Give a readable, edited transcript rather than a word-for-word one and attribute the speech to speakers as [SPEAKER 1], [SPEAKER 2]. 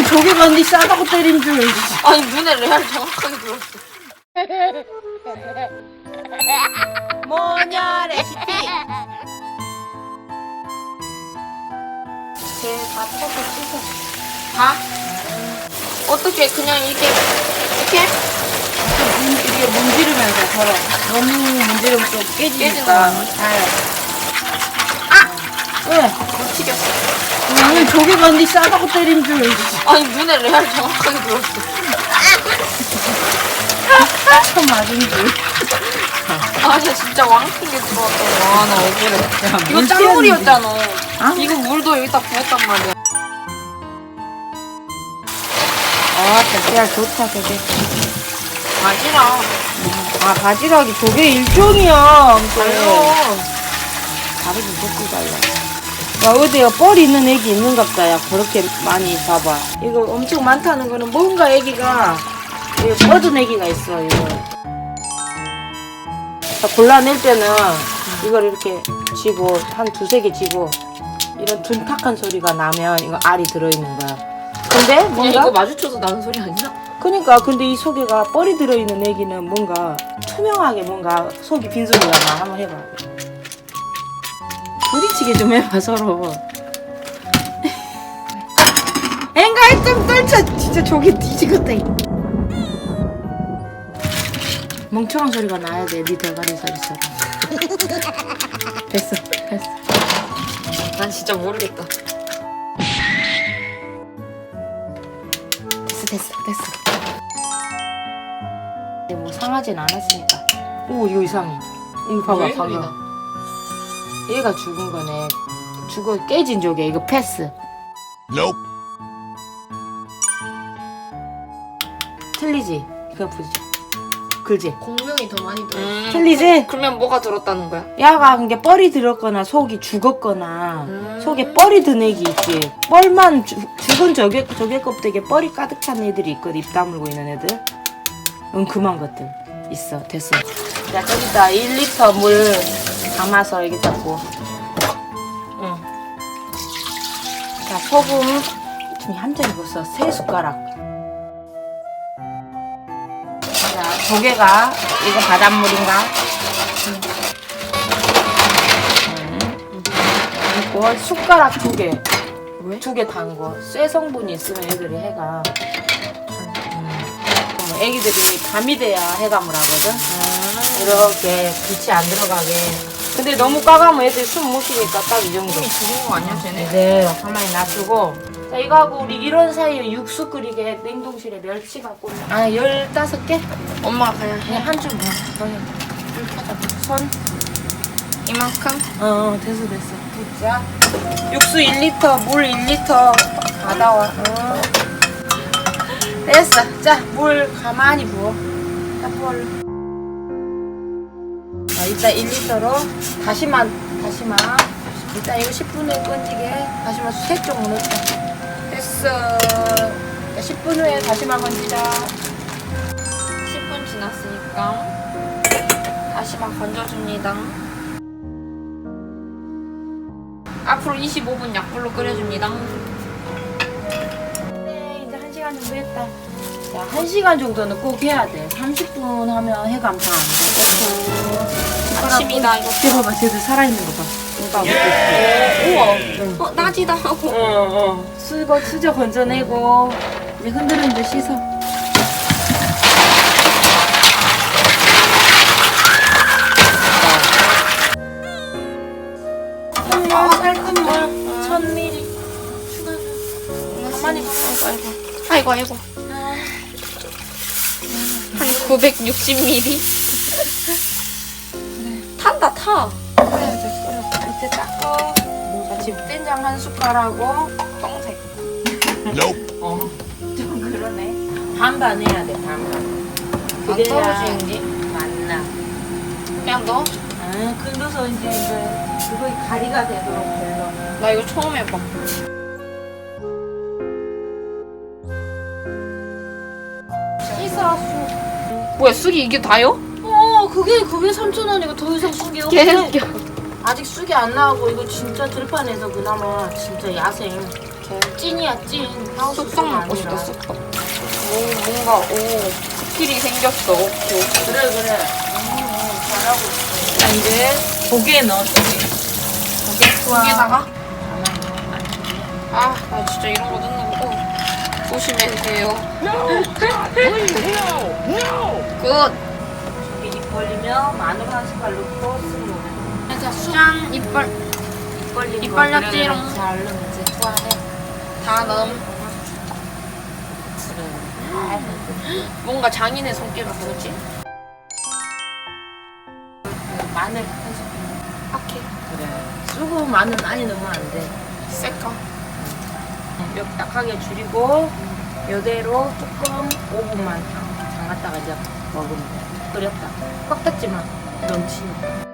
[SPEAKER 1] 조개가 언니 싸다고 때린 줄.
[SPEAKER 2] 아니 눈에 레알 정확하게 들었어.
[SPEAKER 1] 뭐냐 레시피.
[SPEAKER 2] 다 뜯어서 씻어. 다? 어떻게 그냥 이렇게
[SPEAKER 1] 이게 문지르면서 서로 너무 문지르면 또 깨지니까. 왜?
[SPEAKER 2] 못 튀겼어.
[SPEAKER 1] 나는 조개가 언니 싸다고 때린 줄.
[SPEAKER 2] 아니 눈에 레알 정확하게 들었어.
[SPEAKER 1] 처음 맞은 줄.
[SPEAKER 2] 아니야 진짜 왕핑게 들어왔다. 와나 억울해. 이거
[SPEAKER 1] 물
[SPEAKER 2] 짠물이었잖아.
[SPEAKER 1] 아?
[SPEAKER 2] 이거 물도 여기다 부었단 말이야.
[SPEAKER 1] 아, 달걀 좋다, 되게.
[SPEAKER 2] 바지락.
[SPEAKER 1] 아, 바지락이 조개 일종이야.
[SPEAKER 2] 달려.
[SPEAKER 1] 다르게 먹고 달라. 야, 어디야, 뻘 있는 애기 있는갑다, 야. 그렇게 많이 잡아. 이거 엄청 많다는 거는 뭔가 애기가, 이거 뻗은 애기가 있어, 이거. 자, 골라낼 때는 이걸 이렇게 쥐고, 한 두세 개 쥐고, 이런 둔탁한 소리가 나면 이거 알이 들어있는 거야. 근데
[SPEAKER 2] 그냥
[SPEAKER 1] 뭔가?
[SPEAKER 2] 이거 마주쳐서 나는 소리 아니야?
[SPEAKER 1] 그니까 근데 이 속에가 뻘이 들어있는 애기는 뭔가 투명하게 뭔가 속이 빈 소리가 나. 한번 해봐. 부딪히게 좀 해봐 서로. 엥가이 좀 떨쳐. 진짜 조개 뒤지겠다. 멍청한 소리가 나야 돼. 네 대가리 소리처럼. 됐어.
[SPEAKER 2] 난 진짜 모르겠다.
[SPEAKER 1] 됐어. 뭐 상하진 않았으니까. 오 이거 이상해. 이거 봐봐
[SPEAKER 2] 왜
[SPEAKER 1] 방금.
[SPEAKER 2] 소리나?
[SPEAKER 1] 얘가 죽은 거네. 죽어 깨진 조개. 이거 패스.
[SPEAKER 3] Nope.
[SPEAKER 1] 틀리지? 이거 보지. 그지?
[SPEAKER 2] 공명이 더 많이 들어.
[SPEAKER 1] 틀리지?
[SPEAKER 2] 그러면 뭐가 들었다는 거야?
[SPEAKER 1] 야가 그게 뻘이 들었거나 속이 죽었거나 속에 뻘이 든 애기 있지. 뻘만 죽은 조개 껍데기에 뻘이 가득 찬 애들이 있거든. 입 다물고 있는 애들. 그만 것들 있어. 됐어. 자 여기다 1리터 물 담아서 여기다 부어. 응. 자 소금 지금 한 점 익었어. 3숟가락. 자 조개가 이거 바닷물인가? 그리고 숟가락 2개.
[SPEAKER 2] 왜?
[SPEAKER 1] 2개 담궈. 쇠 성분이 있으면 애들이 해가. 애기들이 밤이 돼야 해감을 하거든. 이렇게 빛이 안 들어가게. 근데 너무 까가면 애들이 숨 못 쉬니까 딱 이 정도.
[SPEAKER 2] 이미 죽은 거 아니야 쟤네?
[SPEAKER 1] 네, 가만히 놔두고. 자, 이거 하고 우리 이런 사이에 육수 끓이게 냉동실에 멸치 갖고. 15개?
[SPEAKER 2] 엄마가 그냥 해.
[SPEAKER 1] 그냥 한 줌. 손.
[SPEAKER 2] 이만큼?
[SPEAKER 1] 됐어. 붓자. 육수 1리터, 물 1리터 받아와. 됐어. 자, 물 가만히 부어. 자, 부어. 자, 이따 1리터로 다시마. 이따 이거 10분 후에 건지게 다시마 3쪽 넣자. 됐어. 자, 10분 후에 다시마 건지자.
[SPEAKER 2] 10분 지났으니까 다시마 건져줍니다. 앞으로 25분 약불로 끓여줍니다.
[SPEAKER 1] 네, 이제 1시간 정도 했다. 야, 1시간 정도는 꼭 해야 돼. 30분 하면 해감 다 안 돼.
[SPEAKER 2] 아침이다 이거.
[SPEAKER 1] 이거 봐봐, 쟤들 살아있는 거 봐. 이거
[SPEAKER 2] 우와. 나지다 하고.
[SPEAKER 1] 수저 건져내고 이제 흔들흔들 씻어. 살금물 1000ml 가만히
[SPEAKER 2] 아이고. 한 960ml? 탄다 타.
[SPEAKER 1] 이제 닦어. 집된장 1숟갈하고
[SPEAKER 2] 똥색.
[SPEAKER 3] Nope.
[SPEAKER 1] 좀 그러네. 반반 해야 돼. 반반.
[SPEAKER 2] 안 떨어지는지?
[SPEAKER 1] 맞나?
[SPEAKER 2] 그냥 넣어.
[SPEAKER 1] 긁어서 이제 그거에 가리가 되도록 걸러.
[SPEAKER 2] 나 이거 처음 해봐.
[SPEAKER 1] 씻어 쑥.
[SPEAKER 2] 뭐야 쑥이 이게 다요?
[SPEAKER 1] 그게 3,000원이고 더 이상 쑥이 없어.
[SPEAKER 2] 개웃겨.
[SPEAKER 1] 아직 쑥이 안 나오고 이거 진짜 들판에서 그나마 진짜 야생. 찐이야 찐.
[SPEAKER 2] 쑥떡 먹고 싶다 쑥떡. 뭔가 스킬이 생겼어. 오케이.
[SPEAKER 1] 그래. 잘하고 있어. 자 이제 조개 넣어주세요.
[SPEAKER 2] 고기에다가 나 진짜 이런 거 넣는 거 조심해주세요. 굿.
[SPEAKER 1] 조개 입 벌리면 마늘 한 숟갈 넣고 쓱 넣어.
[SPEAKER 2] 짠 이빨 입 벌렸지롱.
[SPEAKER 1] 잘 넣으면 이제 투하해.
[SPEAKER 2] 다음 뭔가 장인의 손길 같은 거지?
[SPEAKER 1] 마늘 한 숟갈.
[SPEAKER 2] 오케이.
[SPEAKER 1] 그래. 쓰고 마늘 많이 넣으면 안 돼.
[SPEAKER 2] 셀까?
[SPEAKER 1] 이렇게 약하게 줄이고 이대로 조금 5분만 담갔다가 이제 먹으면 돼. 끓였다. 꽉 닫지 마. 넘치니까.